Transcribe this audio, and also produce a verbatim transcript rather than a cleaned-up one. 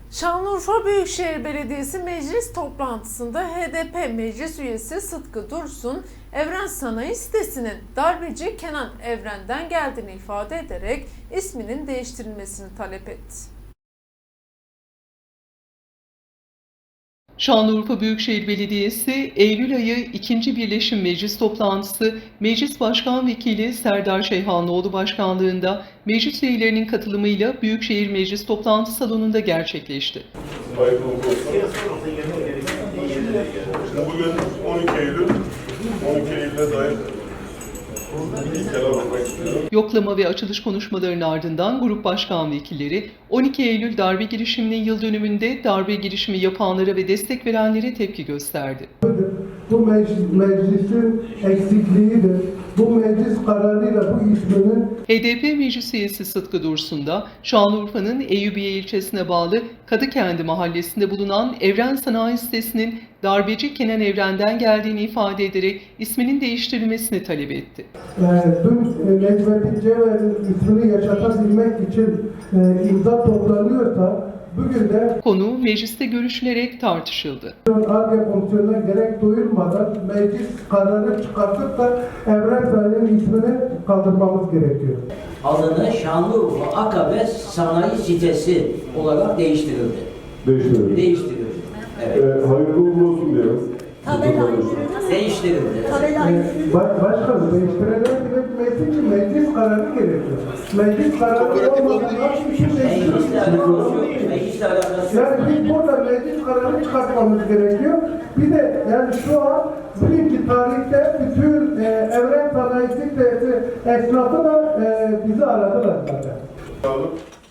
Şanlıurfa Büyükşehir Belediyesi meclis toplantısında H D P meclis üyesi Sıtkı Dursun, Evren Sanayi sitesinin darbeci Kenan Evren'den geldiğini ifade ederek isminin değiştirilmesini talep etti. Şanlıurfa Büyükşehir Belediyesi Eylül ayı ikinci Birleşim Meclis toplantısı Meclis Başkan Vekili Serdar Şeyhanlıoğlu başkanlığında meclis üyelerinin katılımıyla Büyükşehir Meclis toplantı salonunda gerçekleşti. Bugün on iki Eylül, on iki Eylül'e dair Yoklama ve açılış konuşmalarının ardından grup başkan vekilleri on iki Eylül darbe girişiminin yıl dönümünde darbe girişimi yapanlara ve destek verenlere tepki gösterdi. Bu meclis, meclisin eksikliğidir. Bu meclis kararıyla bu isminin H D P meclis üyesi Sıtkı Dursun da Şanlıurfa'nın Eyyubiye ilçesine bağlı Kadıkendi mahallesinde bulunan Evren Sanayi sitesinin darbeci Kenan Evren'den geldiğini ifade ederek isminin değiştirilmesini talep etti. e, dün e, Necmettin Cever'in ismini yaşatabilmek için e, imza toplanıyorsa bugün de Konu mecliste görüşülerek tartışıldı. Ar-Ge komisyonuna gerek duyulmadan meclis kararı çıkartıp da Evren Sanayi'nin ismini kaldırmamız gerekiyor. Adını Şanlıurfa Akabe Sanayi Sitesi olarak değiştirildi. değiştirelim. Değiştirildi. Evet. Ee, hayırlı uğurlu olsun diyoruz. Değiştirildi. E, baş, başkanım değiştirilebilmesi için meclis kararı gerekiyor. Meclis kararı olmadan hiçbir şey Meclisle değiştirilmez. alakası yok. Meclisle alakası yok. Yani biz burada meclis kararı çıkartmamız gerekiyor. Bir de yani şu an bugünkü tarihte bütün e, Evren Sanayi sitesi esnafı da e, bizi aradılar zaten. Sağ olun.